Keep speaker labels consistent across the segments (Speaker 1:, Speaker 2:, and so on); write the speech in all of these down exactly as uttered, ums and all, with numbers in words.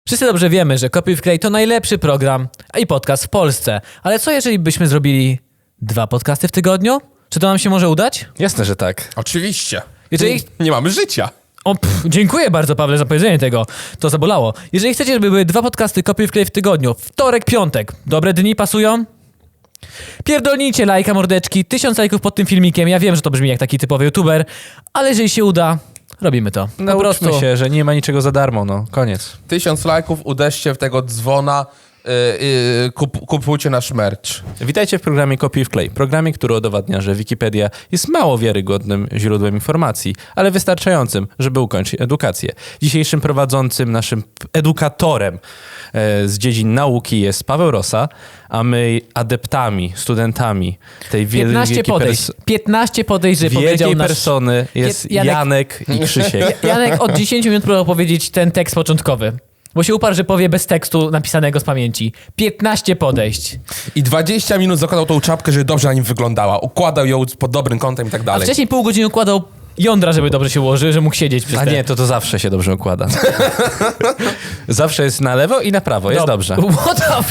Speaker 1: Wszyscy dobrze wiemy, że Kopiuj Wklej to najlepszy program i podcast w Polsce. Ale co jeżeli byśmy zrobili dwa podcasty w tygodniu? Czy to nam się może udać?
Speaker 2: Jasne, że tak.
Speaker 3: Oczywiście.
Speaker 1: Jeżeli...
Speaker 3: Nie, nie mamy życia.
Speaker 1: O, pff, dziękuję bardzo, Pawle, za powiedzenie tego. To zabolało. Jeżeli chcecie, żeby były dwa podcasty Kopiuj Wklej w tygodniu, wtorek, piątek, dobre dni pasują? Pierdolnijcie lajka, mordeczki, tysiąc lajków pod tym filmikiem. Ja wiem, że to brzmi jak taki typowy youtuber, ale jeżeli się uda, robimy to. Po
Speaker 2: Nauczmy
Speaker 1: prostu
Speaker 2: się, że nie ma niczego za darmo, no. Koniec.
Speaker 3: Tysiąc lajków, uderzcie w tego dzwona, yy, yy, kup, kupujcie nasz merch.
Speaker 2: Witajcie w programie Kopiuj Wklej. Programie, który udowadnia, że Wikipedia jest mało wiarygodnym źródłem informacji, ale wystarczającym, żeby ukończyć edukację. Dzisiejszym prowadzącym, naszym edukatorem e, z dziedzin nauki jest Paweł Rosa, a my adeptami, studentami tej wiel-
Speaker 1: piętnaście
Speaker 2: wielkiej
Speaker 1: podejść.
Speaker 2: pers-
Speaker 1: piętnaście podejść, że powiedział
Speaker 2: wielkiej
Speaker 1: nasz...
Speaker 2: persony jest
Speaker 1: Janek-
Speaker 2: Janek i Krzysiek.
Speaker 1: Janek od dziesięciu minut próbował powiedzieć ten tekst początkowy. Bo się uparł, że powie bez tekstu napisanego z pamięci. piętnaście podejść.
Speaker 3: I dwadzieścia minut zakładał tą czapkę, żeby dobrze na nim wyglądała. Układał ją pod dobrym kątem i tak
Speaker 1: A
Speaker 3: dalej.
Speaker 1: wcześniej pół godziny układał jądra, żeby dobrze się ułożyły, że mógł siedzieć przez
Speaker 2: A
Speaker 1: te...
Speaker 2: nie, to to zawsze się dobrze układa. Zawsze jest na lewo i na prawo, jest
Speaker 1: Dob-
Speaker 2: dobrze.
Speaker 1: What the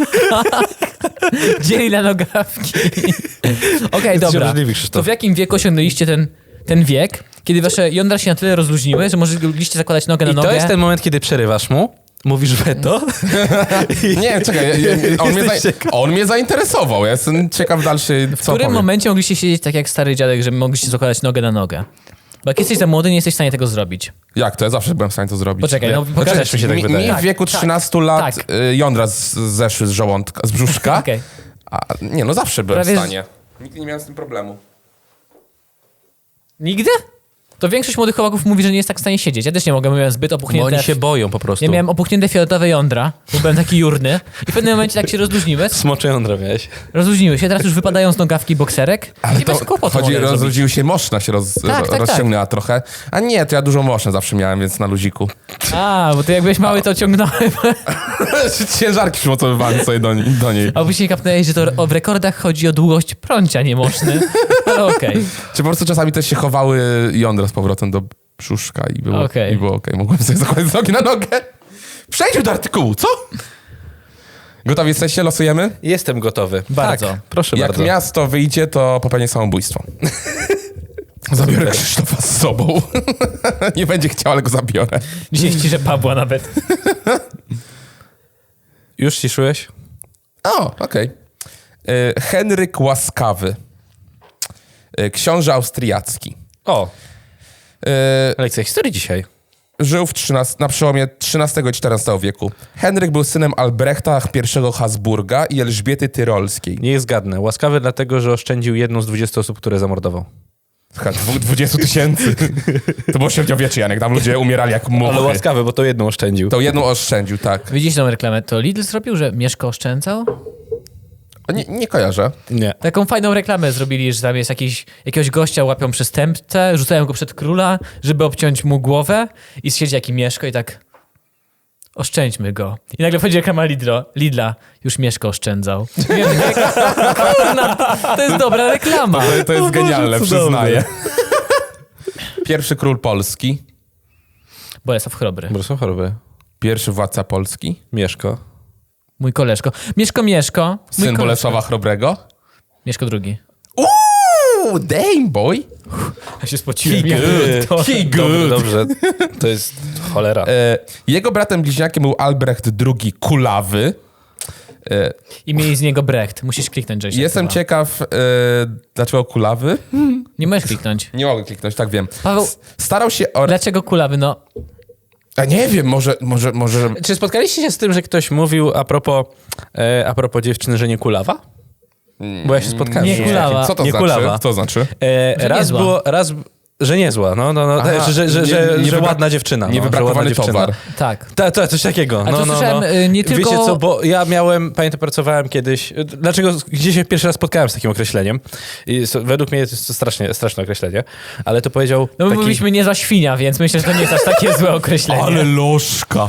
Speaker 1: fuck? Dzieli na nogawki. Okej, okay, dobra.
Speaker 2: obrzydliwy, Krzysztof.
Speaker 1: To w jakim wieku osiągnęliście ten, ten wiek, kiedy wasze jądra się na tyle rozluźniły, że mogliście zakładać nogę na
Speaker 2: I
Speaker 1: nogę?
Speaker 2: to jest ten moment, kiedy przerywasz mu, mówisz weto.
Speaker 3: Nie, czekaj, ja, ja, on, mnie za, on mnie zainteresował. Ja jestem ciekaw dalszy, co
Speaker 1: W którym
Speaker 3: powie.
Speaker 1: momencie mogliście siedzieć tak jak stary dziadek, że mogliście zakładać nogę na nogę? Bo jak jesteś za młody, nie jesteś w stanie tego zrobić.
Speaker 3: Jak to? Ja zawsze byłem w stanie to zrobić.
Speaker 1: Poczekaj, no
Speaker 3: Znaczy,
Speaker 1: pokażesz
Speaker 2: mi się tak
Speaker 3: mi,
Speaker 2: wydaje.
Speaker 3: mi w
Speaker 1: Tak,
Speaker 3: wieku
Speaker 1: tak,
Speaker 3: trzynastu lat
Speaker 1: tak.
Speaker 3: y, jądra z, zeszły z żołądka, z brzuszka.
Speaker 1: Okej.
Speaker 3: A, nie, no zawsze byłem
Speaker 1: Prawie
Speaker 3: w
Speaker 1: z-
Speaker 3: stanie. Nigdy nie miałem z tym problemu.
Speaker 1: Nigdy? To większość młodych chłopaków mówi, że nie jest tak w stanie siedzieć. Ja też nie mogę, miałem zbyt
Speaker 2: Bo
Speaker 1: opuchnięte...
Speaker 2: oni się boją po prostu.
Speaker 1: Ja miałem opuchnięte fioletowe jądra, bo byłem taki jurny i w pewnym momencie tak się rozluźniły,
Speaker 2: Smocze jądra miałeś.
Speaker 1: rozluźniły się, teraz już wypadają z nogawki bokserek i bez kłopotu
Speaker 3: chodzi,
Speaker 1: mogę zrobić.
Speaker 3: rozrodził się moszna, się roz,
Speaker 1: Tak, tak, tak.
Speaker 3: rozciągnęła trochę. A nie, to ja dużo moszna zawsze miałem, więc na luziku.
Speaker 1: A, bo ty jak byłeś mały, to ciągnąłem.
Speaker 3: Ciężarki przymocowywałem sobie do, do niej.
Speaker 1: A później kapnęłeś, że to o, w rekordach chodzi o długość prącia niemożny. Ale okej.
Speaker 3: Czy po prostu czasami też się chowały jądra z powrotem do brzuszka i było okej.
Speaker 1: Okej.
Speaker 3: I było okej. Mogłem sobie zakładać z nogi na nogę. Przejdźmy do artykułu, co? Gotowi jesteście? Losujemy?
Speaker 2: Jestem gotowy.
Speaker 1: Bardzo.
Speaker 2: Tak, proszę
Speaker 3: Jak
Speaker 2: bardzo.
Speaker 3: miasto wyjdzie, to popełnię samobójstwo. Zabiorę Krzysztofa z sobą. Nie będzie chciał, ale go zabiorę.
Speaker 1: Dzisiaj ściszę Pawła nawet.
Speaker 2: Już ciszyłeś?
Speaker 3: O, okej. Y, Henryk Łaskawy. Y, Książę austriacki.
Speaker 2: O,
Speaker 3: Y,
Speaker 2: lekcja historii dzisiaj.
Speaker 3: Żył w trzynastu na przełomie trzynastego i czternastego wieku. Henryk był synem Albrechta I Habsburga i Elżbiety Tyrolskiej.
Speaker 2: Nie jest zgadnę. Łaskawy dlatego, że oszczędził jedną z dwudziestu osób, które zamordował.
Speaker 3: Słuchaj, dwu- dwudziestu tysięcy. To było średniowiecze, Janek. Tam ludzie umierali jak muchy.
Speaker 2: Ale łaskawy, bo to jedną oszczędził.
Speaker 3: To jedną oszczędził, tak.
Speaker 1: Widzieliście tą reklamę? To Lidl zrobił, że Mieszko oszczędzał?
Speaker 3: Nie, nie kojarzę.
Speaker 2: Nie.
Speaker 1: Taką fajną reklamę zrobili, że tam jest jakiś, jakiegoś gościa łapią przestępcę, rzucają go przed króla, żeby obciąć mu głowę i siedzi jaki Mieszko i tak oszczędźmy go. I nagle wchodzi reklama Lidla, Lidla już Mieszko oszczędzał. I ja mówię, kurna, to jest dobra reklama.
Speaker 3: To, to jest genialne,
Speaker 2: cudowne.
Speaker 3: przyznaję. Pierwszy król Polski.
Speaker 1: Bolesław Chrobry.
Speaker 2: Bo są choroby.
Speaker 3: Pierwszy władca Polski.
Speaker 2: Mieszko.
Speaker 1: Mój koleżko. Mieszko, Mieszko. Mój
Speaker 3: Syn
Speaker 1: koleżko.
Speaker 3: Bolesława Chrobrego.
Speaker 1: Mieszko drugi.
Speaker 3: Uuu, damn boy.
Speaker 1: Ja się spociłem.
Speaker 2: He
Speaker 1: jak
Speaker 2: good.
Speaker 1: to-
Speaker 3: He
Speaker 2: Dobrze,
Speaker 3: good.
Speaker 2: dobrze. To jest cholera.
Speaker 3: E, jego bratem bliźniakiem był Albrecht drugi Kulawy. E,
Speaker 1: I mieli z niego Brecht. Musisz kliknąć, Jason.
Speaker 3: jestem
Speaker 1: chyba.
Speaker 3: ciekaw, e, dlaczego Kulawy?
Speaker 1: Nie możesz kliknąć.
Speaker 3: Nie mogę kliknąć, tak wiem.
Speaker 1: Paweł-
Speaker 3: S- Starał się o...
Speaker 1: Dlaczego kulawy? No,
Speaker 3: A nie wiem, może, może, może...
Speaker 2: Czy spotkaliście się z tym, że ktoś mówił a propos, e, a propos dziewczyny, że nie kulawa? Bo ja się spotkałem.
Speaker 1: Nie
Speaker 2: z czymś
Speaker 1: kulawa.
Speaker 2: takim.
Speaker 3: Co to
Speaker 2: nie
Speaker 3: znaczy?
Speaker 2: kulawa.
Speaker 3: Co to znaczy?
Speaker 2: E,
Speaker 1: Że
Speaker 2: raz
Speaker 1: niezła.
Speaker 2: było, raz, że niezła, no, no, no,
Speaker 3: Aha,
Speaker 2: że, że, że,
Speaker 3: nie-
Speaker 2: że,
Speaker 3: nie
Speaker 2: że
Speaker 3: wybra-
Speaker 2: ładna dziewczyna. No, że ładna
Speaker 3: Niewybrakowany
Speaker 2: dziewczyna.
Speaker 3: towar.
Speaker 1: tak.
Speaker 2: Tak, tak, coś takiego.
Speaker 1: A
Speaker 2: no,
Speaker 1: to
Speaker 2: no,
Speaker 1: słyszałem,
Speaker 2: no.
Speaker 1: y, nie tylko-
Speaker 2: Wiecie co, bo ja miałem, pamiętam, pracowałem kiedyś, dlaczego, gdzieś się pierwszy raz spotkałem z takim określeniem. I so, według mnie jest to strasznie, straszne określenie, ale to powiedział
Speaker 1: No my
Speaker 2: taki...
Speaker 1: mówiliśmy nie za świnia, więc myślę, że to nie jest aż takie złe określenie.
Speaker 3: Ale lożka.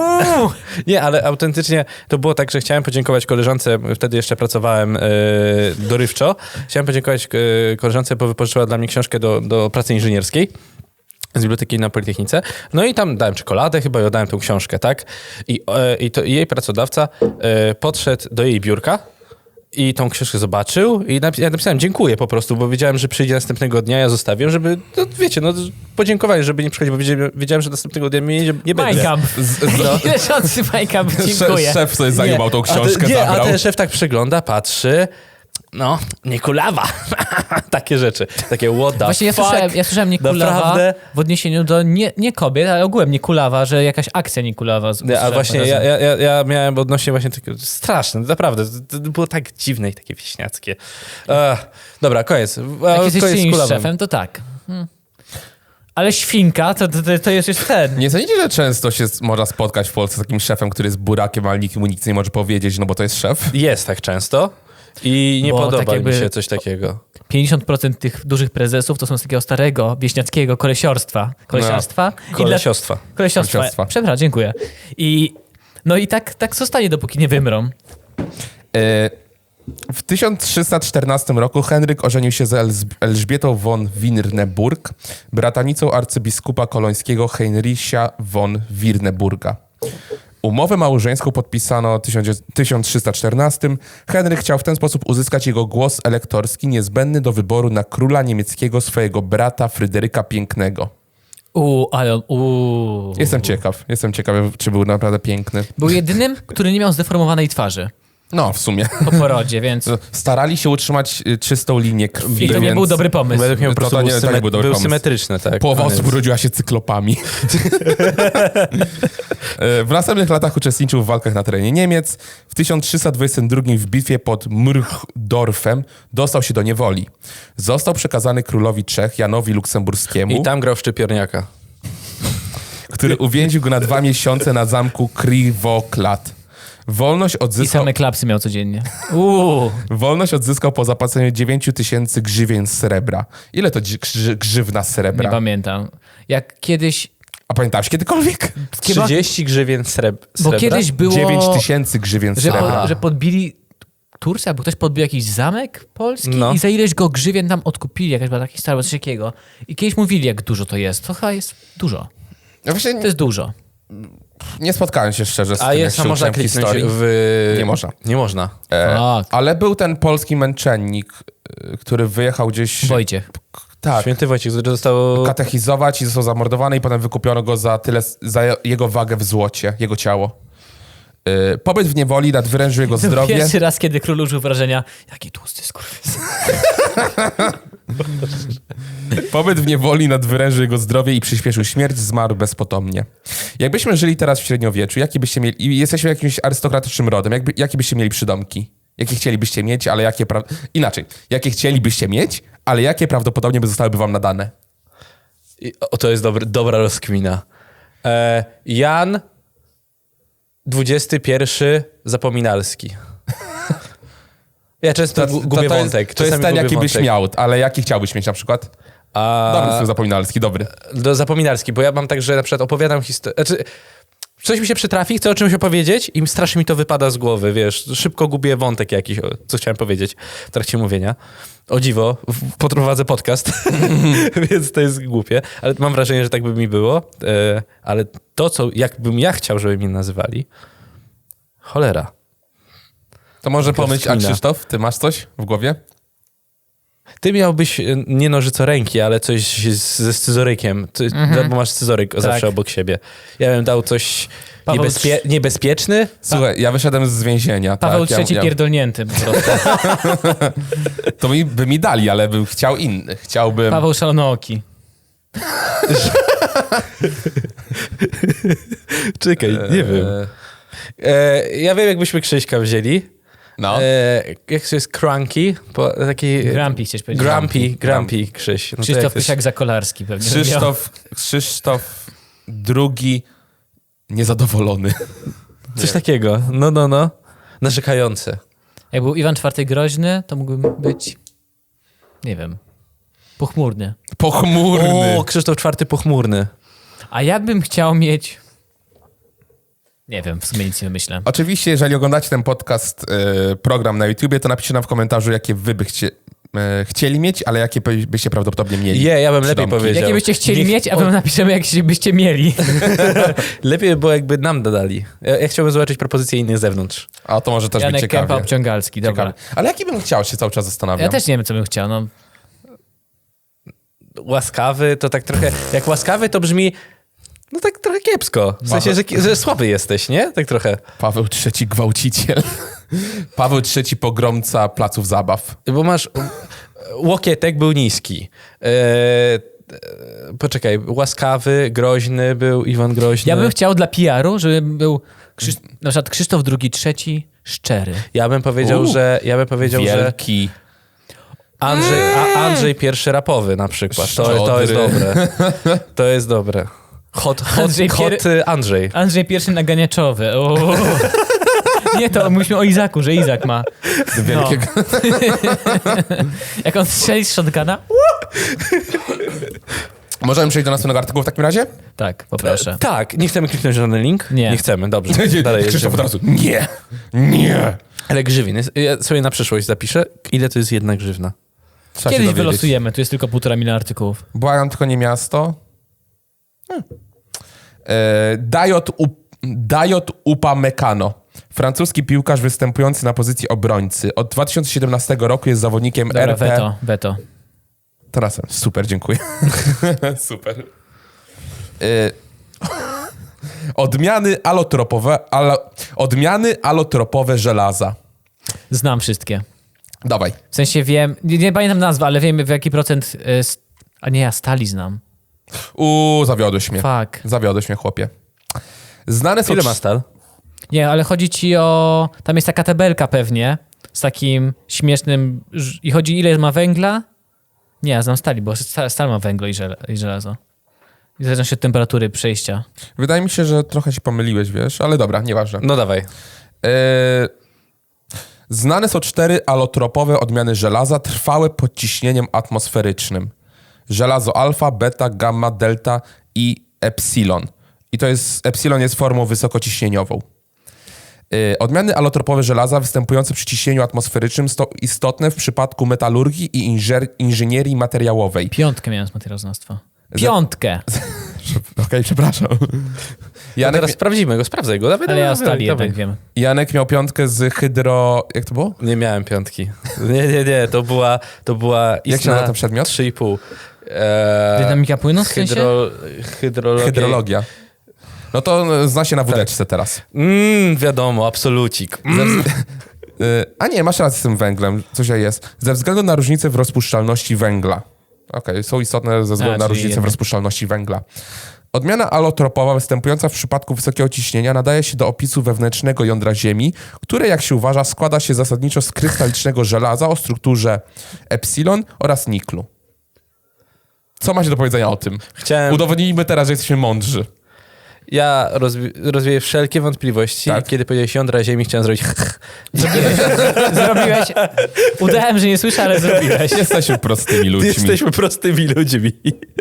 Speaker 2: Nie, ale autentycznie to było tak, że chciałem podziękować koleżance, wtedy jeszcze pracowałem e, dorywczo, chciałem podziękować e, koleżance, bo wypożyczyła dla mnie książkę do, do pracy inżynierskiej. z biblioteki na Politechnice. No i tam dałem czekoladę, chyba i oddałem tą książkę, tak? I, e, i, to, i jej pracodawca e, podszedł do jej biurka i tą książkę zobaczył i napi- ja napisałem dziękuję po prostu, bo wiedziałem, że przyjdzie następnego dnia, ja zostawię, żeby, no, wiecie, no podziękować, żeby nie przychodzić, bo wiedziałem, wiedziałem że następnego dnia mnie nie, nie będzie.
Speaker 1: Majkamp.
Speaker 3: no.
Speaker 1: Leżący Majkamp, dziękuję.
Speaker 3: Szef, szef sobie zajmował tą
Speaker 2: a
Speaker 3: książkę,
Speaker 2: te, nie,
Speaker 3: zabrał.
Speaker 2: a ten szef tak przegląda, patrzy, no, nie kulawa. Takie rzeczy, takie what the
Speaker 1: Właśnie ja
Speaker 2: fuck.
Speaker 1: słyszałem, ja słyszałem Niekulawa
Speaker 2: Naprawdę?
Speaker 1: w odniesieniu do nie, nie kobiet, ale ogółem Niekulawa, że jakaś akcja Niekulawa. z-
Speaker 2: Nie, a
Speaker 1: usłyszałem
Speaker 2: właśnie
Speaker 1: razem.
Speaker 2: ja, ja, ja, ja miałem odnośnie właśnie takiego, straszne, naprawdę, to, to było tak dziwne i takie wieśniackie. Ech, dobra, koniec.
Speaker 1: Jak
Speaker 2: A,
Speaker 1: jesteś
Speaker 2: koniec z
Speaker 1: czyimś
Speaker 2: kulawem.
Speaker 1: szefem, to tak. Hmm. Ale świnka, to, to, to jest już ten.
Speaker 3: Nie sądzicie, że często się s- można spotkać w Polsce z takim szefem, który jest burakiem, ale nikt mu nic nie może powiedzieć, no bo to jest szef?
Speaker 2: Jest tak często i nie
Speaker 1: Bo
Speaker 2: podoba
Speaker 1: tak jakby-
Speaker 2: mi się coś takiego.
Speaker 1: pięćdziesiąt procent tych dużych prezesów to są z takiego starego, wieśniackiego kolesiorstwa. Kolesiarstwa. I dla-
Speaker 2: Kolesiostwa.
Speaker 1: Kolesiostwa.
Speaker 3: Kolesiostwa.
Speaker 1: Przepraszam, dziękuję. I no i tak, tak zostanie, dopóki nie wymrą.
Speaker 3: E, W tysiąc trzysta czternastym roku Henryk ożenił się z Elz- Elżbietą von Wirneburg, bratanicą arcybiskupa kolońskiego Heinricha von Wirneburga. Umowę małżeńską podpisano w tysiąc trzysta czternastym. Henryk chciał w ten sposób uzyskać jego głos elektorski niezbędny do wyboru na króla niemieckiego swojego brata Fryderyka Pięknego.
Speaker 1: Uuu, ale on, uuu.
Speaker 3: Jestem ciekaw, jestem ciekaw, czy był naprawdę piękny.
Speaker 1: Był jedynym, który nie miał zdeformowanej twarzy
Speaker 3: No, w sumie.
Speaker 1: po porodzie, więc
Speaker 3: Starali się utrzymać y, czystą linię krwi,
Speaker 1: i to nie
Speaker 3: więc
Speaker 1: był dobry pomysł.
Speaker 2: Według mnie po
Speaker 3: To
Speaker 2: prostu
Speaker 3: to
Speaker 2: był,
Speaker 3: nie- to
Speaker 2: symet-
Speaker 3: nie był dobry
Speaker 2: był
Speaker 3: pomysł.
Speaker 2: symetryczny, tak.
Speaker 3: Połowa
Speaker 2: Koniec.
Speaker 3: osób urodziła się cyklopami. W następnych latach uczestniczył w walkach na terenie Niemiec. W tysiąc trzysta dwudziestym drugim w bitwie pod Mrchdorfem dostał się do niewoli. Został przekazany królowi Czech Janowi Luksemburskiemu,
Speaker 2: I tam grał w szczypiorniaka.
Speaker 3: który uwięził go na dwa miesiące na zamku Krivoklad. Wolność
Speaker 1: I
Speaker 3: odzyskał,
Speaker 1: same klapsy miał codziennie. Uuu.
Speaker 3: wolność odzyskał po zapłaceniu dziewięć tysięcy grzywien srebra. Ile to dzi- grzy- grzywna
Speaker 1: Nie
Speaker 3: srebra?
Speaker 1: pamiętam. Jak kiedyś,
Speaker 3: A pamiętałeś kiedykolwiek?
Speaker 1: chyba,
Speaker 2: trzydzieści grzywien sreb-
Speaker 1: bo
Speaker 2: srebra?
Speaker 1: kiedyś było,
Speaker 3: dziewięć tysięcy grzywien
Speaker 1: że,
Speaker 3: srebra.
Speaker 1: po, że podbili Turcję, albo ktoś podbił jakiś zamek polski
Speaker 2: No.
Speaker 1: i za ileś go grzywien tam odkupili, jakaś była taka historia, coś takiego. I kiedyś mówili, jak dużo to jest. To chyba jest dużo.
Speaker 3: Ja właśnie
Speaker 1: To jest dużo.
Speaker 3: nie spotkałem się szczerze z
Speaker 2: A
Speaker 3: tym,
Speaker 2: jest,
Speaker 3: jak
Speaker 2: a
Speaker 3: się
Speaker 2: można
Speaker 3: uczyłem
Speaker 2: kliknąć
Speaker 3: historii.
Speaker 2: w...
Speaker 3: Nie można.
Speaker 2: Nie można.
Speaker 3: E,
Speaker 1: Tak.
Speaker 3: ale był ten polski męczennik, e, który wyjechał gdzieś...
Speaker 1: Wojciech.
Speaker 3: Tak.
Speaker 2: Święty Wojciech, który został...
Speaker 3: Katechizować i został zamordowany i potem wykupiono go za tyle, za jego wagę w złocie, jego ciało. E, pobyt w niewoli nadwyrężył jego
Speaker 1: To
Speaker 3: zdrowie.
Speaker 1: pierwszy raz, kiedy król użył wrażenia, jaki tłusty skurwys.
Speaker 3: Pobyt w niewoli nadwyrężył jego zdrowie i przyspieszył śmierć, zmarł bezpotomnie. Jakbyśmy żyli teraz w średniowieczu, jaki byście mieli... i jesteśmy jakimś arystokratycznym rodem, jakby, jakie byście mieli przydomki? Jakie chcielibyście mieć, ale jakie... Pra... Inaczej. Jakie chcielibyście mieć, ale jakie prawdopodobnie by zostałyby wam nadane?
Speaker 2: I- O, to jest dobry, dobra rozkmina. E, Jan dwudziesty pierwszy Zapominalski. Ja często gu- gubię
Speaker 3: to
Speaker 2: wątek.
Speaker 3: Jest, to jest
Speaker 2: czasami
Speaker 3: ten,
Speaker 2: gubię
Speaker 3: jaki byś
Speaker 2: wątek.
Speaker 3: miał, ale jaki chciałbyś mieć na przykład?
Speaker 2: A...
Speaker 3: Dobry słów zapominalski, dobry.
Speaker 2: Do Zapominalski, bo ja mam tak, że na przykład opowiadam historię... Znaczy, coś mi się przytrafi, chcę o czymś opowiedzieć i strasznie mi to wypada z głowy, wiesz. Szybko gubię wątek jakiś, o, co chciałem powiedzieć w trakcie mówienia. O dziwo, w- poprowadzę podcast, więc to jest głupie, ale mam wrażenie, że tak by mi było. E, ale to, co jakbym ja chciał, żeby mnie nazywali, cholera.
Speaker 3: To może pomyśl, a
Speaker 2: Rozkmina.
Speaker 3: Krzysztof, ty masz coś w głowie?
Speaker 2: Ty miałbyś e, nie nożycoręki, ale coś z, ze scyzorykiem, to, bo masz scyzoryk zawsze obok siebie. Ja bym dał coś
Speaker 1: Paweł
Speaker 2: niebezpie, niebezpieczny.
Speaker 3: Słuchaj, ja wyszedłem z więzienia.
Speaker 1: Paweł
Speaker 3: tak,
Speaker 1: trzeci
Speaker 3: ja, ja,
Speaker 1: pierdolnięty po prostu.
Speaker 3: To mi, by mi dali, ale bym chciał inny. Chciałbym...
Speaker 1: Paweł szalonooki.
Speaker 2: Czekaj, nie wiem. E, ja wiem, jakbyśmy Krzyśka wzięli.
Speaker 3: No.
Speaker 2: E, jak to jest Cranky? Po, taki...
Speaker 1: Grumpy chciałeś powiedzieć.
Speaker 2: Grumpy, Grumpy Krzyś. No to jak
Speaker 1: Krzysztof
Speaker 2: to jest-
Speaker 1: Pysiak Zakolarski pewnie. miał.
Speaker 3: Krzysztof, Krzysztof drugi niezadowolony.
Speaker 2: Coś takiego. No, no, no. Narzekający.
Speaker 1: Jak był Iwan czwarty Groźny, to mógłbym być, nie wiem, pochmurny.
Speaker 3: Pochmurny.
Speaker 2: O, Krzysztof czwarty pochmurny.
Speaker 1: A ja bym chciał mieć, nie wiem, w sumie nic nie wymyślę.
Speaker 3: Oczywiście, jeżeli oglądacie ten podcast, y, program na YouTubie, to napiszcie nam w komentarzu, jakie wy byście e, chcieli mieć, ale jakie by- byście prawdopodobnie mieli?
Speaker 2: Je, ja bym lepiej
Speaker 3: Przydomki.
Speaker 2: powiedział.
Speaker 1: Jakie byście chcieli
Speaker 2: Niech-
Speaker 1: mieć, a my napiszemy, jakie byście mieli.
Speaker 2: Lepiej by było, jakby nam dodali. Ja, ja chciałbym zobaczyć propozycje innych z zewnątrz.
Speaker 3: A to może też być
Speaker 1: Janek
Speaker 3: ciekawie.
Speaker 1: Kępa Obciągalski, dobra.
Speaker 3: ciekawie. Ale jaki bym chciał, się cały czas zastanawiam.
Speaker 1: Ja też nie wiem, co bym chciał. No.
Speaker 2: Łaskawy to tak trochę... Jak łaskawy to brzmi... No tak trochę kiepsko. W sensie, że, że słaby jesteś, nie? Tak trochę.
Speaker 3: Paweł trzeci gwałciciel. Paweł trzeci pogromca placów zabaw.
Speaker 2: Bo masz... Łokietek był niski. E, e, poczekaj, łaskawy, groźny był, Iwan Groźny.
Speaker 1: Ja bym chciał dla P R u, żeby był Krzysz... na przykład Krzysztof drugi, trzeci, szczery.
Speaker 2: Ja bym powiedział,
Speaker 3: U,
Speaker 2: że... Ja bym powiedział, że...
Speaker 3: Wielki.
Speaker 2: Andrzej, a Andrzej pierwszy rapowy na przykład. To, to jest
Speaker 3: Szczodry.
Speaker 2: dobre. To jest dobre. Hot, hot,
Speaker 1: Andrzej
Speaker 2: hot
Speaker 1: pier-
Speaker 2: y, Andrzej.
Speaker 1: Andrzej pierwszy naganiaczowy. O. Nie, to mówiliśmy o Izaku, że Izak ma.
Speaker 3: Wielkiego.
Speaker 1: Jak on strzeli z shotguna?
Speaker 3: Możemy przejść do następnego artykułu w takim razie?
Speaker 1: Tak, poproszę.
Speaker 2: Tak, nie chcemy kliknąć na żaden link?
Speaker 1: Nie.
Speaker 2: Nie chcemy, dobrze. Dalej
Speaker 3: Krzysztof od
Speaker 2: jedziemy.
Speaker 3: razu. Nie. Nie.
Speaker 2: Ale grzywin. jest- Ja sobie na przyszłość zapiszę, ile to jest jedna grzywna.
Speaker 3: Trzeba się
Speaker 1: Kiedyś
Speaker 3: dowiedzieć.
Speaker 1: wylosujemy, tu jest tylko półtora miliona artykułów.
Speaker 3: Błagam, tylko nie miasto. Hmm. E, Dayot, Up- Dayot Upamecano. Francuski piłkarz występujący na pozycji obrońcy. Od dwa tysiące siedemnastego roku jest zawodnikiem
Speaker 1: Dobra,
Speaker 3: R P.
Speaker 1: weto, weto.
Speaker 3: Teraz super, dziękuję. Super. Y- Odmiany alotropowe, alo, odmiany alotropowe żelaza.
Speaker 1: Znam wszystkie.
Speaker 3: Dawaj.
Speaker 1: W sensie wiem, nie, nie pamiętam nazwy, ale wiem w jaki procent... y, st- A nie, ja stali znam.
Speaker 3: Uuu, zawiodłeś mnie.
Speaker 1: Fuck.
Speaker 3: Zawiodłeś mnie, chłopie. Znane są...
Speaker 2: Ile ma stal?
Speaker 1: Nie, ale chodzi ci o... Tam jest taka tabelka pewnie, z takim śmiesznym... ż- I chodzi ile ma węgla? Nie, ja znam stali, bo sta- stal ma węglo i, żel- i żelazo. I zależą się od temperatury przejścia.
Speaker 3: Wydaje mi się, że trochę się pomyliłeś, wiesz, ale dobra, nieważne.
Speaker 2: No dawaj.
Speaker 3: Yy, Znane są cztery alotropowe odmiany żelaza trwałe pod ciśnieniem atmosferycznym. Żelazo alfa, beta, gamma, delta i epsilon. I to jest, epsilon jest formą wysokociśnieniową. Yy, Odmiany alotropowe żelaza występujące przy ciśnieniu atmosferycznym są istotne w przypadku metalurgii i inżer- inżynierii materiałowej.
Speaker 1: Piątkę miałem z materiałoznawstwa. Piątkę!
Speaker 3: Okej, przepraszam.
Speaker 2: Ja
Speaker 3: Janek,
Speaker 2: teraz sprawdzimy go, sprawdzaj go. Dawaj,
Speaker 1: Ale ja o
Speaker 2: dawaj,
Speaker 1: stali
Speaker 2: dawaj.
Speaker 1: jednak wiem.
Speaker 3: Janek miał piątkę z hydro... Jak to było?
Speaker 2: Nie miałem piątki. Nie, nie, nie. To była, to była
Speaker 3: Jak się
Speaker 2: istna
Speaker 3: nazywa ten przedmiot?
Speaker 2: trzy i pół. Eee,
Speaker 1: Dynamika płynu w sensie?
Speaker 2: hydro, hydrologia.
Speaker 3: Hydrologia. No to e, zna się na wódeczce teraz.
Speaker 2: Mm, wiadomo, absolucik. Mm.
Speaker 3: Y, A nie, masz rację z tym węglem. Coś jest. Ze względu na różnicę w rozpuszczalności węgla. Okej, są istotne ze względu
Speaker 1: A,
Speaker 3: na
Speaker 1: czyli
Speaker 3: różnicę w
Speaker 1: jednak.
Speaker 3: rozpuszczalności węgla. Odmiana alotropowa występująca w przypadku wysokiego ciśnienia nadaje się do opisu wewnętrznego jądra Ziemi, które, jak się uważa, składa się zasadniczo z krystalicznego żelaza o strukturze epsilon oraz niklu. Co macie do powiedzenia o tym?
Speaker 2: Chciałem...
Speaker 3: Udowodnijmy teraz, że jesteśmy mądrzy.
Speaker 2: Ja rozwi- rozwieję wszelkie wątpliwości.
Speaker 3: Tak.
Speaker 2: Kiedy powiedziałeś jądra Ziemi, chciałem zrobić
Speaker 1: Zrobiłeś, zrobiłeś. Udałem, że nie słyszę, ale zrobiłeś.
Speaker 3: Jesteśmy prostymi ludźmi.
Speaker 2: Jesteśmy prostymi ludźmi.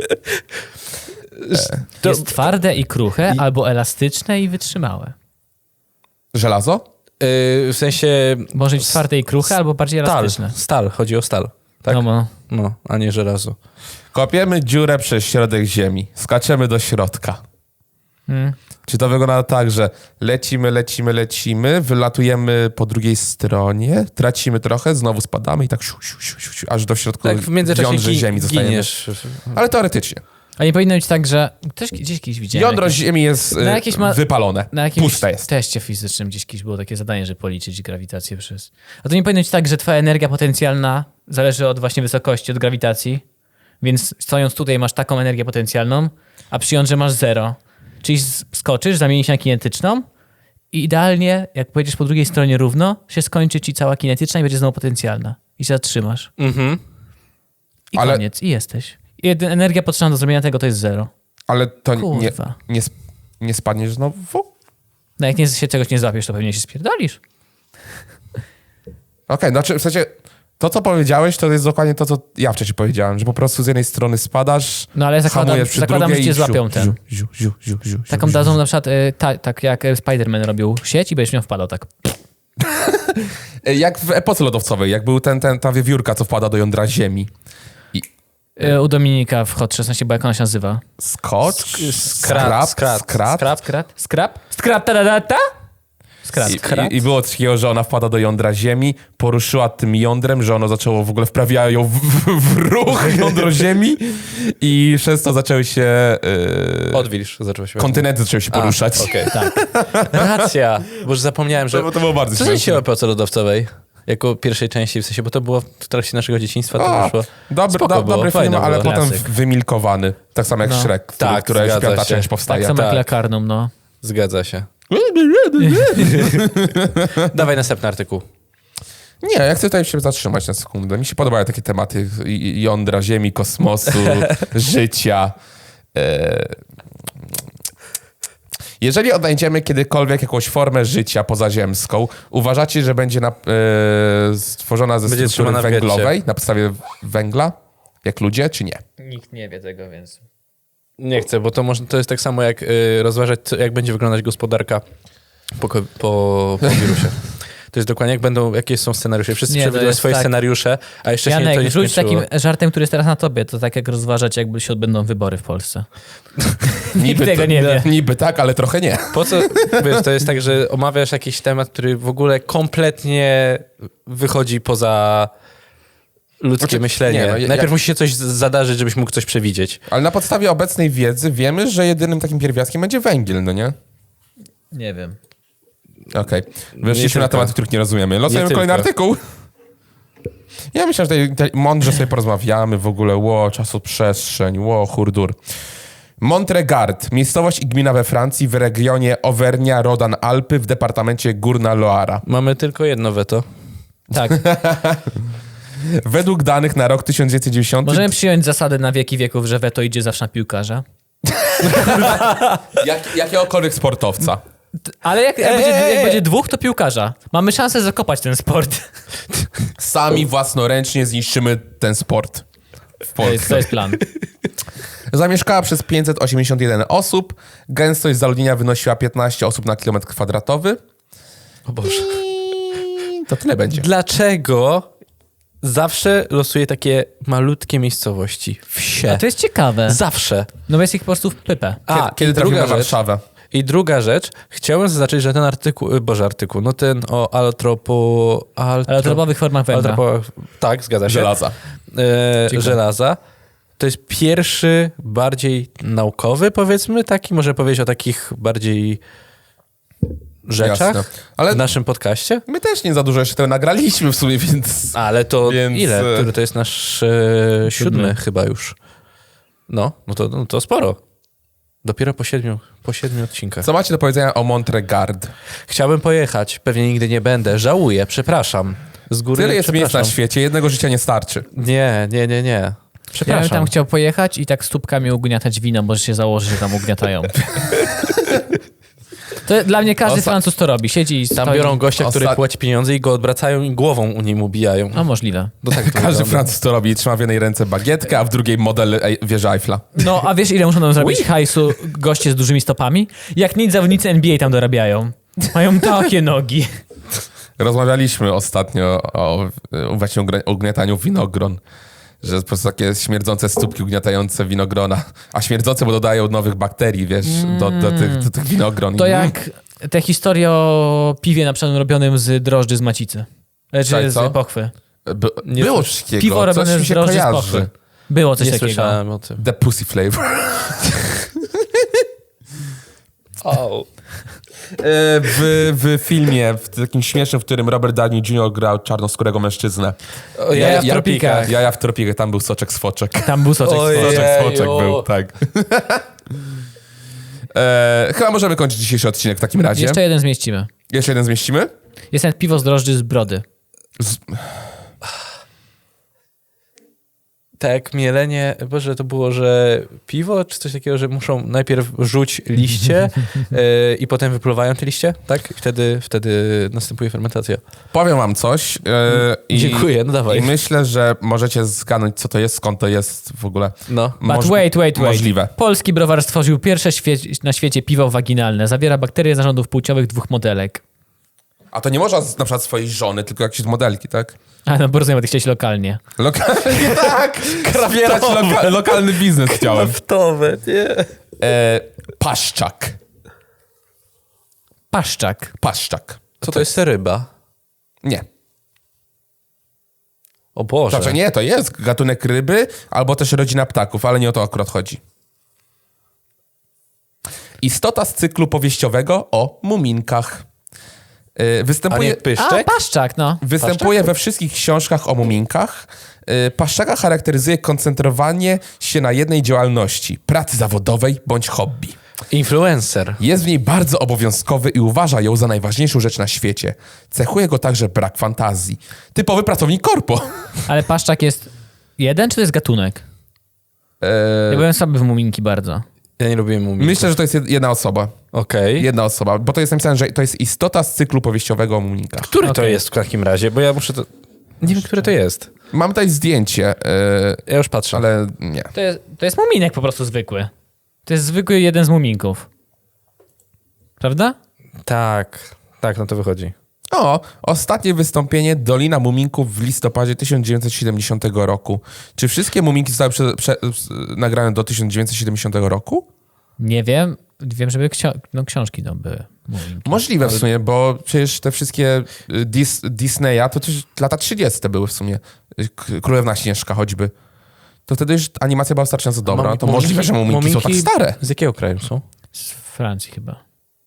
Speaker 2: To,
Speaker 1: Jest twarde i kruche, albo elastyczne i wytrzymałe.
Speaker 3: Żelazo?
Speaker 2: yy, w sensie
Speaker 1: Może być twarde i kruche, albo bardziej
Speaker 2: stal.
Speaker 1: elastyczne.
Speaker 2: Stal, chodzi o stal. Tak?
Speaker 1: No, bo
Speaker 2: No, a nie żelazo.
Speaker 3: Kopiemy dziurę przez środek Ziemi. Skaczemy do środka.
Speaker 1: Hmm.
Speaker 3: Czy to wygląda tak, że lecimy, lecimy, lecimy, wylatujemy po drugiej stronie, tracimy trochę, znowu spadamy i tak siu, siu, siu, siu, siu, aż do środka
Speaker 2: Tak, w międzyczasie
Speaker 3: jądrze
Speaker 2: gi-
Speaker 3: Ziemi zostajemy.
Speaker 2: giniesz.
Speaker 3: Ale teoretycznie.
Speaker 1: A nie powinno być tak, że... Też gdzieś kiedyś widziałem.
Speaker 3: Jądro
Speaker 1: jakieś-
Speaker 3: Ziemi jest
Speaker 1: Na
Speaker 3: y,
Speaker 1: jakieś ma-
Speaker 3: wypalone.
Speaker 1: Na jakimś
Speaker 3: Puste jest.
Speaker 1: teście fizycznym gdzieś kiedyś było takie zadanie, że policzyć grawitację przez... A to nie powinno być tak, że twoja energia potencjalna zależy od właśnie wysokości, od grawitacji, więc stojąc tutaj masz taką energię potencjalną, a przy jądrze masz zero. Czyli s- skoczysz, zamienisz się na kinetyczną i idealnie, jak pojedziesz po drugiej stronie równo, się skończy ci cała kinetyczna i będzie znowu potencjalna. I się zatrzymasz.
Speaker 2: Mhm.
Speaker 1: I
Speaker 3: Ale-
Speaker 1: koniec. I jesteś. I jedyna energia potrzebna do zrobienia tego to jest zero.
Speaker 3: Ale to nie,
Speaker 1: Kurwa.
Speaker 3: nie, sp- nie spadniesz znowu?
Speaker 1: No jak nie, się czegoś nie złapiesz, to pewnie się spierdolisz.
Speaker 3: Okej, znaczy w sensie to, co powiedziałeś, to jest dokładnie to, co ja wcześniej powiedziałem, że po prostu z jednej strony spadasz,
Speaker 1: No ale zakładam,
Speaker 3: hamujesz przy
Speaker 1: zakładam że
Speaker 3: drugiej
Speaker 1: cię
Speaker 3: i
Speaker 1: złapią
Speaker 3: ziu,
Speaker 1: ten.
Speaker 3: ziu, ziu, ziu, ziu, ziu,
Speaker 1: Taką
Speaker 3: ziu,
Speaker 1: dadzą
Speaker 3: ziu.
Speaker 1: na przykład, y, ta, tak jak Spider-Man robił sieć i będziesz miał wpadał tak.
Speaker 3: Jak w epoce lodowcowej, jak był ten, ten, ta wiewiórka, co wpada do jądra ziemi.
Speaker 1: E, U Dominika w Hot szesnaście, bo jak ona się nazywa?
Speaker 3: Scotch?
Speaker 2: Skrat, skrat,
Speaker 3: Skrat?
Speaker 2: skrat.
Speaker 1: Skrat? Skrap? Skrat, ta, ta, ta? Skrat.
Speaker 3: I, i, I było coś takiego, że ona wpada do jądra ziemi, poruszyła tym jądrem, że ono zaczęło w ogóle wprawiają ją w, w, w ruch jądro ziemi i przez to zaczęły się... Yy,
Speaker 2: Odwilż zaczął się.
Speaker 3: kontynenty zaczęły się poruszać.
Speaker 2: A, okej. Racja, bo już zapomniałem, że...
Speaker 3: To, to było bardzo
Speaker 2: Co
Speaker 3: śmieszne.
Speaker 2: się o epoce lodowcowej? Jako pierwszej części, w sensie, bo to było w trakcie naszego dzieciństwa, to
Speaker 3: O,
Speaker 2: wyszło.
Speaker 3: Dobry,
Speaker 2: Spoko
Speaker 3: do,
Speaker 2: było,
Speaker 3: dobry film,
Speaker 2: fajne
Speaker 3: ale
Speaker 2: było.
Speaker 3: potem
Speaker 1: Klasyk.
Speaker 3: wymilkowany. Tak samo jak
Speaker 1: No.
Speaker 3: Shrek, który,
Speaker 2: Tak,
Speaker 3: która już
Speaker 2: zgadza
Speaker 3: piąta
Speaker 2: się.
Speaker 3: część
Speaker 1: Tak
Speaker 3: powstaje.
Speaker 1: samo jak
Speaker 2: Tak.
Speaker 1: Lakarnum, no.
Speaker 2: Zgadza się. Dawaj następny artykuł.
Speaker 3: Nie, ja chcę tutaj się zatrzymać na sekundę. Mi się podobają takie tematy i- jądra, ziemi, kosmosu, życia. E... Jeżeli odnajdziemy kiedykolwiek jakąś formę życia pozaziemską, uważacie, że będzie na, e, stworzona ze
Speaker 2: Będzie
Speaker 3: struktury
Speaker 2: trzymana w
Speaker 3: węglowej,
Speaker 2: getcie.
Speaker 3: na podstawie węgla, jak ludzie, czy nie?
Speaker 1: Nikt nie wie tego, więc...
Speaker 2: Nie chcę, bo to, może, to jest tak samo jak y, rozważać, co- jak będzie wyglądać gospodarka po, ko- po, po wirusie. To jest dokładnie, jak będą, jakie są scenariusze. Wszyscy
Speaker 1: Nie, to
Speaker 2: przewidują
Speaker 1: jest
Speaker 2: swoje
Speaker 1: tak.
Speaker 2: scenariusze, a jeszcze się nie, to
Speaker 1: Janek,
Speaker 2: nie
Speaker 1: rzuć
Speaker 2: skończyło.
Speaker 1: takim żartem, który jest teraz na tobie. To tak jak rozważać, jakby się odbędą wybory w Polsce. Nikt tego
Speaker 3: to,
Speaker 1: nie wie.
Speaker 3: Niby tak, ale trochę nie.
Speaker 2: Po co, wiesz, to jest tak, że omawiasz jakiś temat, który w ogóle kompletnie wychodzi poza ludzkie
Speaker 3: Znaczy,
Speaker 2: myślenie.
Speaker 3: nie, no, ja-
Speaker 2: Najpierw
Speaker 3: ja-
Speaker 2: musi się coś z- zadarzyć, żebyś mógł coś przewidzieć.
Speaker 3: Ale na podstawie obecnej wiedzy wiemy, że jedynym takim pierwiastkiem będzie węgiel, no nie?
Speaker 1: Nie wiem.
Speaker 3: Okej. Weszliśmy na
Speaker 2: tylko.
Speaker 3: tematy, których nie rozumiemy. Losujemy
Speaker 2: Nie
Speaker 3: kolejny
Speaker 2: tylko.
Speaker 3: artykuł. Ja myślę, że tutaj, tutaj mądrze sobie porozmawiamy w ogóle. Ło, czasoprzestrzeń, ło, hurdur. Montregard, miejscowość i gmina we Francji w regionie Auvernia-Rodan-Alpy w departamencie Górna Loara.
Speaker 2: Mamy tylko jedno weto.
Speaker 1: Tak.
Speaker 3: Według danych na rok tysiąc dziewięćset dziewięćdziesiąty...
Speaker 1: Możemy przyjąć zasadę na wieki wieków, że weto idzie zawsze na piłkarza.
Speaker 3: Jak, jakiegokolwiek sportowca.
Speaker 1: Ale jak, jak,
Speaker 2: Ej,
Speaker 1: będzie,
Speaker 2: ej,
Speaker 1: jak
Speaker 2: ej.
Speaker 1: będzie dwóch, to piłkarza. Mamy szansę zakopać ten sport.
Speaker 3: Sami własnoręcznie zniszczymy ten sport w
Speaker 1: To jest,
Speaker 3: Polsce.
Speaker 1: to jest plan.
Speaker 3: Zamieszkała przez pięćset osiemdziesiąt jeden osób. Gęstość zaludnienia wynosiła piętnaście osób na kilometr kwadratowy.
Speaker 2: O Boże.
Speaker 3: I to tyle będzie.
Speaker 2: Dlaczego zawsze losuję takie malutkie miejscowości? Wsie.
Speaker 1: A to jest ciekawe.
Speaker 2: Zawsze.
Speaker 1: No bo jest ich po prostu w pypę.
Speaker 2: A,
Speaker 3: Kiedy, kiedy
Speaker 2: i
Speaker 3: trafimy
Speaker 2: druga
Speaker 3: na
Speaker 2: rzecz,
Speaker 3: Warszawę?
Speaker 2: I druga rzecz, chciałem zaznaczyć, że ten artykuł, y, boże artykuł, no ten o altropo... Altro,
Speaker 1: Ale o drobowych formach węgla.
Speaker 2: altropo, tak, zgadza się.
Speaker 3: Żelaza.
Speaker 2: E,
Speaker 1: Dziękuję.
Speaker 2: żelaza. To jest pierwszy bardziej naukowy, powiedzmy, taki, może powiedzieć o takich bardziej rzeczach
Speaker 3: Jasne. Ale
Speaker 2: w naszym podcaście.
Speaker 3: my też nie za dużo jeszcze tego nagraliśmy w sumie, więc...
Speaker 2: Ale to
Speaker 3: Więc,
Speaker 2: ile?
Speaker 3: e,
Speaker 2: Który to jest nasz e, siódmy,
Speaker 1: Siódmy.
Speaker 2: chyba już. No, no to, no to sporo. Dopiero po siedmiu, po siedmiu odcinkach.
Speaker 3: Co macie do powiedzenia o Montregard?
Speaker 2: Chciałbym pojechać, pewnie nigdy nie będę. Żałuję, przepraszam. Z góry
Speaker 3: Tyle jest miejsc na
Speaker 2: przepraszam.
Speaker 3: świecie, jednego życia nie starczy.
Speaker 2: Nie, nie, nie, nie.
Speaker 1: Ja bym
Speaker 2: Przepraszam.
Speaker 1: tam chciał pojechać i tak stópkami ugniatać wino, może się założy, że tam ugniatają. To dla mnie każdy
Speaker 3: Osta-
Speaker 1: Francuz to robi. Siedzi i
Speaker 2: Tam
Speaker 1: stoi.
Speaker 2: biorą gościa, który
Speaker 3: Ostat-
Speaker 2: płaci pieniądze i go odwracają i głową u nim ubijają.
Speaker 1: No możliwe.
Speaker 2: No tak to
Speaker 3: Każdy
Speaker 2: wygląda.
Speaker 3: Francuz to robi. Trzyma w jednej ręce bagietkę, a w drugiej model ej, wieży Eiffla.
Speaker 1: No, a wiesz ile muszą nam zrobić hajsu goście z dużymi stopami? Jak nic zawodnicy N B A tam dorabiają. Mają takie nogi.
Speaker 3: Rozmawialiśmy ostatnio o, o właśnie ugr- ugniataniu winogron. Że po prostu takie śmierdzące stópki ugniatające winogrona. A śmierdzące, bo dodają nowych bakterii, wiesz, do, do, tych, do tych winogron.
Speaker 1: To
Speaker 3: I-
Speaker 1: jak te historie o piwie na przykład robionym z drożdży z macicy.
Speaker 3: Tak,
Speaker 1: Czy
Speaker 3: co?
Speaker 1: z pochwy.
Speaker 3: By,
Speaker 2: Nie
Speaker 3: było
Speaker 2: słysz-
Speaker 3: coś takiego.
Speaker 1: Piwo
Speaker 3: coś
Speaker 1: robione
Speaker 3: mi
Speaker 1: z
Speaker 3: się
Speaker 1: drożdży z
Speaker 3: kojarzy.
Speaker 1: pochwy. Było coś
Speaker 2: Nie
Speaker 1: takiego.
Speaker 2: słyszałem o tym.
Speaker 3: The pussy flavor.
Speaker 2: Oh.
Speaker 3: w, w filmie, w takim śmiesznym, w którym Robert Downey junior grał czarnoskórego mężczyznę.
Speaker 2: O,
Speaker 1: Jaja
Speaker 2: ja,
Speaker 1: w
Speaker 2: ja,
Speaker 1: tropikach.
Speaker 3: Jaja w tropikach, tam był soczek z foczek.
Speaker 1: Tam był soczek z
Speaker 2: Ojej.
Speaker 1: foczek.
Speaker 3: Soczek z foczek
Speaker 2: Jeju.
Speaker 3: był, tak. e, chyba możemy kończyć dzisiejszy odcinek w takim razie.
Speaker 1: Jeszcze jeden zmieścimy.
Speaker 3: Jeszcze jeden zmieścimy?
Speaker 1: Jest nawet piwo z drożdży z brody.
Speaker 2: Tak, mielenie, boże, to było, że piwo, czy coś takiego, że muszą najpierw rzuć liście e, i potem wypluwają te liście, tak? I wtedy, wtedy następuje fermentacja.
Speaker 3: Powiem wam coś. E, i,
Speaker 2: Dziękuję, no dawaj.
Speaker 3: I myślę, że możecie zgadnąć, co to jest, skąd to jest w ogóle.
Speaker 2: No.
Speaker 1: But
Speaker 3: Moż-
Speaker 1: wait, wait, wait.
Speaker 3: Możliwe.
Speaker 1: Polski browar stworzył pierwsze świe- na świecie piwo waginalne. Zawiera bakterie z narządów płciowych dwóch modelek.
Speaker 3: A to nie można z, na przykład swojej żony, tylko jakieś modelki, tak?
Speaker 1: A no bo rozumiem, bo ty chciałeś lokalnie.
Speaker 3: Lokalnie tak! Wspierać loka lokalny biznes chciałem.
Speaker 2: Kraftowe, nie.
Speaker 3: E, paszczak.
Speaker 1: Paszczak.
Speaker 3: Paszczak.
Speaker 2: Co to jest ryba?
Speaker 3: Nie.
Speaker 2: O Boże.
Speaker 3: Znaczy nie, to jest gatunek ryby, albo też rodzina ptaków, ale nie o to akurat chodzi. Istota z cyklu powieściowego o muminkach. Yy,
Speaker 2: A
Speaker 3: występuje
Speaker 2: nie
Speaker 1: A,
Speaker 2: pyszczek?
Speaker 1: paszczak, no.
Speaker 3: występuje we wszystkich książkach o muminkach. Yy, Paszczaka charakteryzuje koncentrowanie się na jednej działalności, pracy zawodowej bądź hobby.
Speaker 2: Influencer.
Speaker 3: Jest w niej bardzo obowiązkowy i uważa ją za najważniejszą rzecz na świecie. Cechuje go także brak fantazji. Typowy pracownik korpo.
Speaker 1: Ale paszczak jest jeden, czy to jest gatunek?
Speaker 3: Yy,
Speaker 1: Ja byłem słaby w muminki bardzo.
Speaker 2: Ja nie lubię muminków.
Speaker 3: myślę, że to jest jed- jedna osoba.
Speaker 2: Okej.
Speaker 3: Jedna osoba, bo to jest napisane, że to jest istota z cyklu powieściowego o muminkach.
Speaker 2: Który to
Speaker 1: Okej.
Speaker 2: jest w takim razie? Bo ja muszę to... Nie wiem, które to jest.
Speaker 3: Mam tutaj zdjęcie, yy,
Speaker 2: Ja już patrzę.
Speaker 3: ale nie.
Speaker 1: To jest, to jest muminek po prostu zwykły. To jest zwykły jeden z muminków. Prawda?
Speaker 2: Tak. Tak, no to wychodzi.
Speaker 3: O, ostatnie wystąpienie Dolina Muminków w listopadzie tysiąc dziewięćset siedemdziesiątego roku. Czy wszystkie muminki zostały prze, prze, nagrane do tysiąc dziewięćset siedemdziesiątego roku?
Speaker 1: Nie wiem. Wiem, żeby ksio no, książki to były. Muminki.
Speaker 3: Możliwe w sumie, bo przecież te wszystkie y, Dis, Disneya to też lata trzydzieste były w sumie. Y, K- Królewna Śnieżka choćby. To wtedy już animacja była wystarczająco dobra.
Speaker 2: Mum-
Speaker 3: to możliwe, że muminki, są tak stare.
Speaker 2: Z jakiego kraju są?
Speaker 1: Z Francji chyba.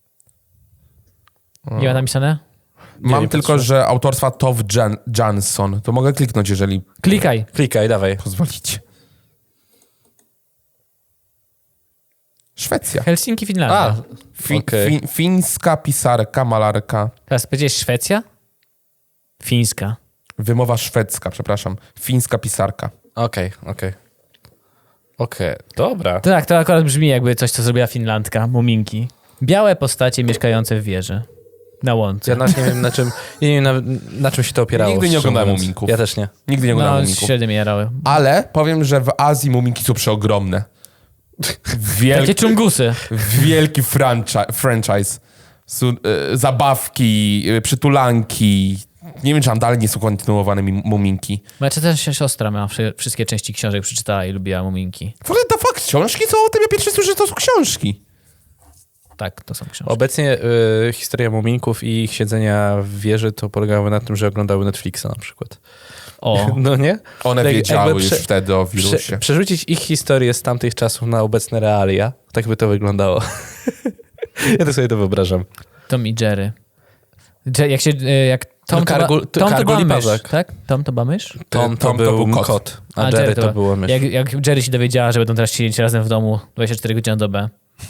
Speaker 1: Nie ma napisane?
Speaker 3: Mam
Speaker 2: nie
Speaker 3: tylko,
Speaker 2: patrzę.
Speaker 3: że autorstwa Tove Jan Jansson. To mogę kliknąć, jeżeli
Speaker 1: Klikaj.
Speaker 2: Klikaj, dawaj.
Speaker 3: pozwolicie. Szwecja.
Speaker 1: Helsinki, Finlandia.
Speaker 2: A,
Speaker 3: Fi,
Speaker 2: okej.
Speaker 3: fi, fińska pisarka, malarka.
Speaker 1: Teraz powiedziałeś Szwecja? Fińska.
Speaker 3: Wymowa szwedzka, przepraszam. Fińska pisarka.
Speaker 2: Okej, okej. Okej, dobra.
Speaker 1: Tak, to akurat brzmi jakby coś, co zrobiła Finlandka. Muminki. Białe postacie mieszkające w wieży. Na łące.
Speaker 2: Ja nawet nie wiem, na czym, ja nie wiem, na, na czym się to opierało.
Speaker 3: Nigdy nie
Speaker 2: szczerze
Speaker 3: oglądałem
Speaker 2: mówiąc.
Speaker 3: muminków.
Speaker 2: Ja też nie.
Speaker 3: Nigdy nie oglądałem
Speaker 1: No,
Speaker 3: muminków.
Speaker 1: średnio mnie jarały.
Speaker 3: Ale powiem, że w Azji muminki są przeogromne.
Speaker 1: Takie
Speaker 3: Wielki,
Speaker 1: czungusy.
Speaker 3: wielki franchi- franchise. Są, e, zabawki, e, przytulanki. Nie wiem, czy tam dalej nie są kontynuowane mi- muminki.
Speaker 1: Moja też siostra ma wszy- wszystkie części książek przeczytała i lubiła muminki.
Speaker 3: W ogóle to fakt, książki są o tym, ja pierwszy słyszę, że to są książki.
Speaker 1: Tak, to są książki.
Speaker 2: Obecnie y, historia muminków i ich siedzenia w wieży to polegały na tym, że oglądały Netflixa na przykład.
Speaker 1: O,
Speaker 2: No nie?
Speaker 3: One
Speaker 2: Tak
Speaker 3: wiedziały
Speaker 2: jakby
Speaker 3: już
Speaker 2: prze-
Speaker 3: wtedy o
Speaker 2: Prze,
Speaker 3: wirusie.
Speaker 2: przerzucić ich historię z tamtych czasów na obecne realia, tak by to wyglądało. Ja to sobie to wyobrażam.
Speaker 1: Tom i Jerry. Dże- Jak się, e, jak Tom, to,
Speaker 2: Kargul-
Speaker 1: ba, Tom to
Speaker 2: Kargul i
Speaker 1: była mysz,
Speaker 2: Pawek.
Speaker 1: tak? Tom to była mysz?
Speaker 2: Tom,
Speaker 3: Tom
Speaker 2: to,
Speaker 3: to
Speaker 2: był,
Speaker 3: był kot.
Speaker 2: kot, a,
Speaker 1: A,
Speaker 2: Jerry,
Speaker 1: Jerry
Speaker 2: to,
Speaker 1: to-
Speaker 2: było mysz.
Speaker 1: Jak, jak Jerry się dowiedziała, że będą teraz siedzieć razem w domu dwadzieścia cztery godziny na dobę.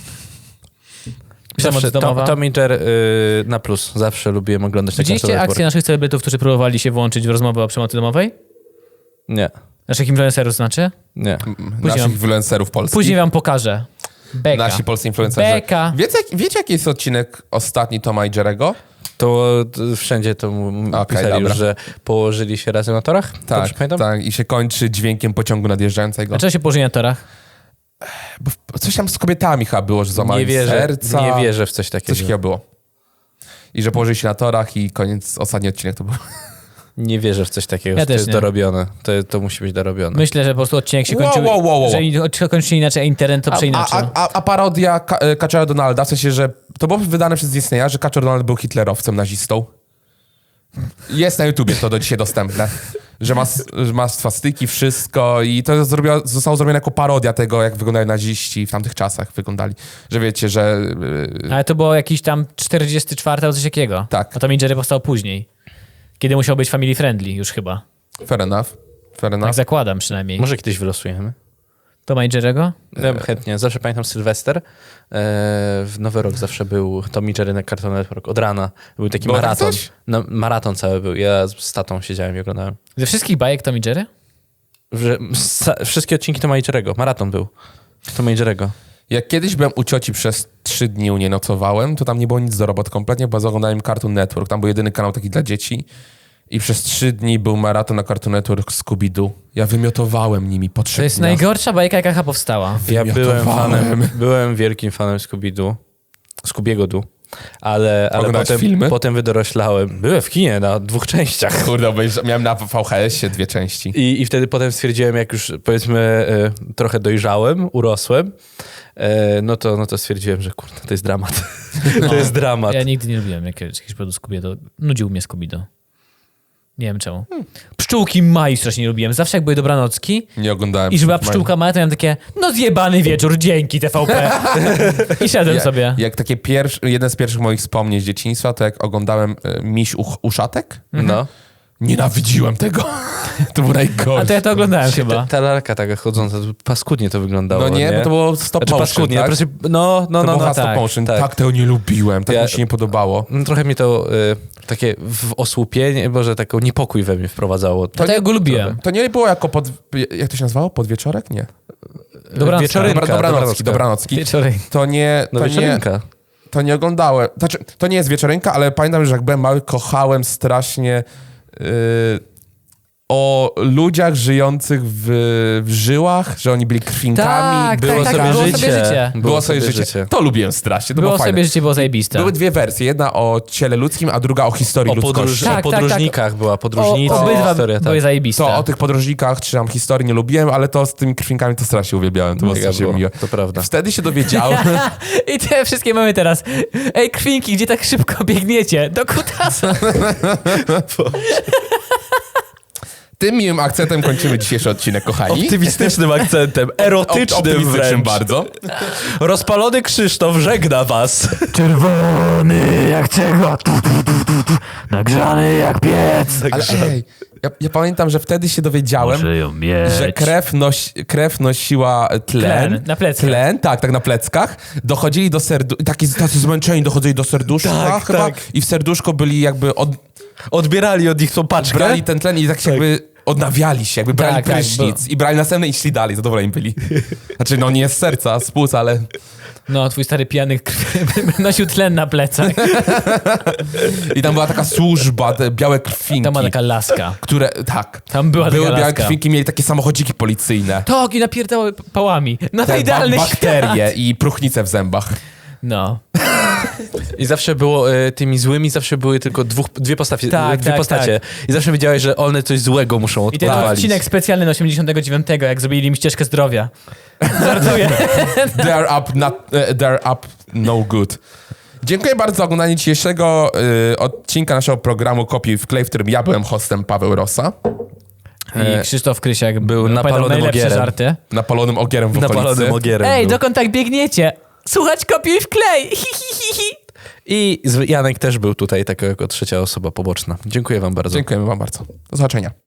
Speaker 1: Przemoc
Speaker 2: Zawsze, Tom,
Speaker 1: domowa.
Speaker 2: Tom i Jerry y, na plus. Zawsze lubiłem oglądać na
Speaker 1: Widzieliście
Speaker 2: Cartoon
Speaker 1: akcję
Speaker 2: Network.
Speaker 1: naszych celebrytów, którzy próbowali się włączyć w rozmowę o przemocy domowej?
Speaker 2: Nie,
Speaker 1: Naszych influencerów znaczy?
Speaker 2: nie.
Speaker 3: Naszych
Speaker 1: wam-
Speaker 3: influencerów polskich.
Speaker 1: Później wam pokażę. Beka.
Speaker 3: Nasi polscy influencerzy.
Speaker 1: Beka.
Speaker 3: Wiecie, jak, wiecie, jaki jest odcinek ostatni Toma i Jerego?
Speaker 2: To y, wszędzie to m-
Speaker 3: Okej,
Speaker 2: pisali
Speaker 3: dobra.
Speaker 2: już, że położyli się razem na torach?
Speaker 3: Tak,
Speaker 2: Dobrze pamiętam?
Speaker 3: tak. I się kończy dźwiękiem pociągu nadjeżdżającego.
Speaker 1: Dlaczego się położyli na torach?
Speaker 3: Bo w- coś tam z kobietami chyba było, że
Speaker 2: Nie
Speaker 3: złamali
Speaker 2: wierzę,
Speaker 3: serca.
Speaker 2: nie wierzę w coś takiego.
Speaker 3: Coś takiego było. I że położyli się na torach i koniec, ostatni odcinek to był.
Speaker 2: Nie wierzę w coś takiego,
Speaker 1: Ja
Speaker 2: że to
Speaker 1: też
Speaker 2: jest
Speaker 1: nie.
Speaker 2: dorobione. To, to musi być dorobione.
Speaker 1: Myślę, że po prostu odcinek się
Speaker 3: Wow,
Speaker 1: kończył.
Speaker 3: wow, wow, wow.
Speaker 1: Że i- kończył się inaczej, a internet to
Speaker 3: A,
Speaker 1: przeinaczył.
Speaker 3: a, a, a parodia Ka- e, Kaczora Donalda, w sensie, że to było wydane przez Disneya, że Kaczor Donald był hitlerowcem, nazistą. Jest na YouTubie to do dzisiaj dostępne. Że ma, s- że ma swastyki, wszystko i to zrobiło, zostało zrobione jako parodia tego, jak wyglądają naziści w tamtych czasach wyglądali. Że wiecie, że... yy,
Speaker 1: Ale to było jakiś tam czterdziesty czwarty albo coś takiego.
Speaker 3: Tak.
Speaker 1: A Tom i Jerry powstał później. Kiedy musiał być family friendly już chyba.
Speaker 3: Fair enough. Fair enough.
Speaker 1: Tak zakładam przynajmniej.
Speaker 2: Może kiedyś wylosujemy.
Speaker 1: Toma i Jerry'ego?
Speaker 2: Ja bym chętnie. Zawsze pamiętam Sylwester. E, w Nowy Rok zawsze był Tom i Jerry na Cartoon Network. Od rana. Był taki
Speaker 3: Było tak
Speaker 2: maraton.
Speaker 3: coś?
Speaker 2: No, maraton cały był. Ja z tatą siedziałem i oglądałem.
Speaker 1: Ze wszystkich bajek Tom i Jerry?
Speaker 2: Że, sa, wszystkie odcinki Toma i Jerry'ego. Maraton był. Toma i Jerry'ego.
Speaker 3: Jak kiedyś byłem u cioci przez trzy dni u niej nocowałem, to tam nie było nic do robot kompletnie, bo oglądałem Cartoon Network. Tam był jedyny kanał taki dla dzieci. I przez trzy dni był maraton na Cartoon Network Scooby-Doo. Ja wymiotowałem nimi po trzech
Speaker 1: To jest
Speaker 3: dniach.
Speaker 1: najgorsza bajka, jaka powstała.
Speaker 2: Ja byłem
Speaker 3: Wymiotowałem.
Speaker 2: fanem, byłem wielkim fanem Scooby-Doo. Scoobiego Doo. Ale, ale
Speaker 3: Oglądałeś
Speaker 2: potem,
Speaker 3: filmy?
Speaker 2: potem wydoroślałem. Byłem w kinie na dwóch częściach.
Speaker 3: Kurde, obejrza- miałem na V H S-ie dwie części.
Speaker 2: I, I wtedy potem stwierdziłem, jak już powiedzmy e, trochę dojrzałem, urosłem, e, no, to, no to stwierdziłem, że kurde, to jest dramat. to jest dramat.
Speaker 1: Ja nigdy nie lubiłem jakiegoś, jakiegoś produktu Scooby-Doo. Nudził mnie Scooby-Doo. Nie wiem czemu. Pszczółki Maj strasznie nie lubiłem. Zawsze jak były dobranocki
Speaker 3: Nie oglądałem.
Speaker 1: i że była
Speaker 3: Superman.
Speaker 1: pszczółka Maja, to miałem takie, no zjebany wieczór, dzięki T V P. I szedłem
Speaker 3: Ja-
Speaker 1: sobie.
Speaker 3: Jak takie pierwsze, jeden z pierwszych moich wspomnień z dzieciństwa, to jak oglądałem e, Miś uch, Uszatek,
Speaker 2: No.
Speaker 3: nienawidziłem tego. To było najgorsze.
Speaker 1: A to ja to oglądałem
Speaker 2: Ta,
Speaker 1: chyba.
Speaker 2: ta lalka taka chodząca, to paskudnie to wyglądało.
Speaker 3: No nie,
Speaker 2: nie?
Speaker 3: bo to było stop
Speaker 2: Znaczy
Speaker 3: motion,
Speaker 2: paskudnie,
Speaker 3: tak?
Speaker 2: proszę, no, no,
Speaker 3: to
Speaker 2: no,
Speaker 3: było
Speaker 2: no,
Speaker 3: stop
Speaker 1: tak,
Speaker 3: motion.
Speaker 2: tak.
Speaker 3: Tak. tego nie lubiłem, tak
Speaker 2: Ja-
Speaker 3: mi się nie podobało.
Speaker 2: no. Trochę mi to y, takie w osłupienie, może taką niepokój we mnie wprowadzało.
Speaker 1: To ja go lubiłem.
Speaker 3: To nie było jako pod... Jak to się nazywało? Podwieczorek? Nie.
Speaker 1: Dobranocka.
Speaker 2: Wieczorynka,
Speaker 3: Dobra, dobranocki,
Speaker 2: dobranocka.
Speaker 3: dobranocki.
Speaker 1: Wieczorem.
Speaker 3: To nie...
Speaker 2: No
Speaker 3: To nie,
Speaker 2: wieczorynka.
Speaker 3: to nie oglądałem. Znaczy, to nie jest wieczorynka, ale pamiętam, że jak byłem mały, kochałem strasznie yy, o ludziach żyjących w, w żyłach, że oni byli krwinkami.
Speaker 1: Tak,
Speaker 3: było
Speaker 1: tak,
Speaker 3: sobie
Speaker 1: tak, było
Speaker 3: życie.
Speaker 1: sobie życie.
Speaker 3: Było sobie życie. To lubiłem strasznie, to było,
Speaker 1: Było
Speaker 3: fajne.
Speaker 1: sobie życie, było zajebiste.
Speaker 3: Były dwie wersje. Jedna o ciele ludzkim, a druga o historii
Speaker 2: O, podróż,
Speaker 3: ludzkości.
Speaker 1: Tak,
Speaker 2: o
Speaker 1: tak,
Speaker 2: podróżnikach była,
Speaker 1: O,
Speaker 2: podróżnica,
Speaker 1: obydwa
Speaker 2: historia,
Speaker 1: były
Speaker 2: tak.
Speaker 1: zajebiste.
Speaker 3: To o tych podróżnikach, czy tam historii nie lubiłem, ale to z tymi krwinkami to strasznie uwielbiałem. To było
Speaker 2: Mega
Speaker 3: strasznie
Speaker 2: było,
Speaker 3: miłe.
Speaker 2: to prawda.
Speaker 3: Wtedy się dowiedziałem...
Speaker 1: I te wszystkie mamy teraz. Ej, krwinki, gdzie tak szybko biegniecie? Do kutasa.
Speaker 3: Tym miłym akcentem kończymy dzisiejszy odcinek, kochani.
Speaker 2: Optymistycznym akcentem, erotycznym
Speaker 3: Optymistycznym
Speaker 2: wręcz.
Speaker 3: bardzo.
Speaker 2: Rozpalony Krzysztof żegna was.
Speaker 1: Czerwony jak czego? Tu, tu, tu, tu, tu. Nagrzany jak piec.
Speaker 3: Ale ej, ja, ja pamiętam, że wtedy się dowiedziałem,
Speaker 1: ją mieć.
Speaker 3: że krew, noś, krew nosiła tlen.
Speaker 1: Tlen, na pleckach.
Speaker 3: Tlen, tak, tak, na pleckach. Dochodzili do serduszka, taki tacy zmęczeni dochodzili do serduszka
Speaker 2: Tak,
Speaker 3: chyba.
Speaker 2: tak.
Speaker 3: I w serduszko byli jakby, od,
Speaker 2: Odbierali od nich tą paczkę.
Speaker 3: brali ten tlen i tak się jakby odnawiali się, jakby brali
Speaker 1: Tak, tak,
Speaker 3: prysznic. I brali następny i szli dalej, zadowoleni byli. Znaczy, no nie z serca, z płuc, ale...
Speaker 1: No, twój stary pijany krwi nosił tlen na plecach.
Speaker 3: I tam była taka służba, te białe krwinki.
Speaker 1: Tam była taka laska.
Speaker 3: Które, tak.
Speaker 1: Tam była
Speaker 3: Były
Speaker 1: taka
Speaker 3: białe
Speaker 1: laska.
Speaker 3: krwinki, mieli takie samochodziki policyjne.
Speaker 1: Tak, i napierdały pałami. No to
Speaker 3: Te
Speaker 1: idealny
Speaker 3: ba- bakterie
Speaker 1: świat.
Speaker 3: i próchnice w zębach.
Speaker 1: No.
Speaker 2: I zawsze było, e, tymi złymi zawsze były tylko dwóch, dwie, postacie,
Speaker 1: Tak,
Speaker 2: dwie
Speaker 1: tak,
Speaker 2: postacie. I zawsze wiedziałeś, że one coś złego muszą
Speaker 1: I ten
Speaker 2: odpalić.
Speaker 1: odcinek specjalny na osiemdziesiątego dziewiątego, jak zrobili im ścieżkę zdrowia. Żartuję.
Speaker 3: They're up, not, uh, they're up no good. Dziękuję bardzo za oglądanie dzisiejszego y, odcinka naszego programu Kopiuj wklej, w którym ja byłem hostem, Paweł Rosa.
Speaker 1: I Krzysztof Krysiak
Speaker 2: był
Speaker 1: opowiadał
Speaker 2: napalonym
Speaker 1: najlepsze
Speaker 2: ogierem.
Speaker 1: żarty.
Speaker 3: Napalonym ogierem w okolicy.
Speaker 2: Napalonym ogierem
Speaker 1: Ej,
Speaker 2: był.
Speaker 1: dokąd tak biegniecie? Słuchać kopiuj wklej! Hi, hi, hi, hi.
Speaker 2: I z- Janek też był tutaj, taka jako trzecia osoba poboczna. Dziękuję wam bardzo.
Speaker 3: Dziękujemy wam bardzo. Do zobaczenia.